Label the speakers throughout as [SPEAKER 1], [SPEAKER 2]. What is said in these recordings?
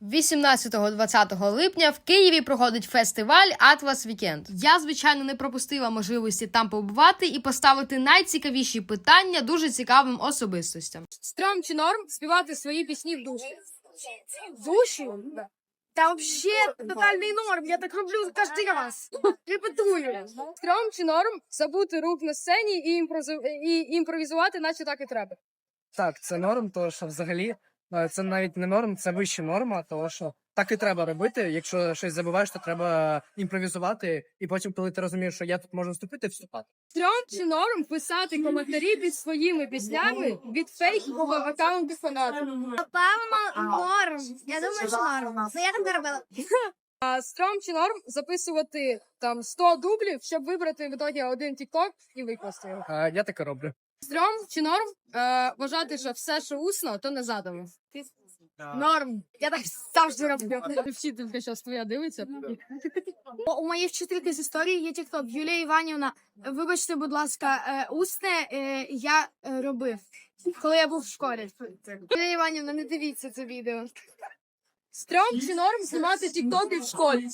[SPEAKER 1] 18-20 липня в Києві проходить фестиваль Atlas Weekend. Я, звичайно, не пропустила можливості там побувати і поставити найцікавіші питання дуже цікавим особистостям. Стрьом чи норм співати свої пісні в душі?
[SPEAKER 2] В душі? Та взагалі тотальний норм, я так роблю кожен раз. Репетую.
[SPEAKER 1] Стрьом чи норм забути рук на сцені і імпровізувати, наче так і треба?
[SPEAKER 3] Так, це норм, тому що взагалі це навіть не норм, це вища норма, тому що так і треба робити. Якщо щось забуваєш, то треба імпровізувати, і потім, коли ти розумієш, що я тут можу вступити, вступати.
[SPEAKER 1] Стрьом чи норм писати коментарі під своїми піснями від фейкового аккаунту фанатів?
[SPEAKER 2] Напевно, норм. Я думаю, що норм. Ну, я так не робила.
[SPEAKER 1] А стрьом чи норм записувати там 100 дублів, щоб вибрати в ітогі один тікток і викласти його?
[SPEAKER 3] Я таке роблю.
[SPEAKER 1] Стрьом чи норм вважати, що все, що усно, то не задано?
[SPEAKER 2] Норм. Я так завжди роблю.
[SPEAKER 1] Вчителька зараз твоя дивиться.
[SPEAKER 2] У моєї вчительки з історії є тікток. Юлія Іванівна, вибачте, будь ласка, усне я робив, коли я був в школі. Юлія Іванівна, не дивіться це відео.
[SPEAKER 1] Стрьом чи норм знімати тіктоки в школі?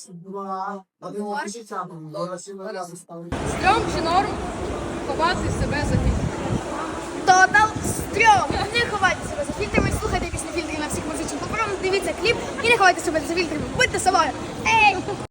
[SPEAKER 1] Стрьом чи норм ховати себе за фільтрами?
[SPEAKER 2] Тотал стрьом! Не ховайте себе за фільтрами, слухайте пісні фільтрів на всіх музичних платформах, дивіться кліп і не ховайте себе за фільтрами. Будьте собою! Ей!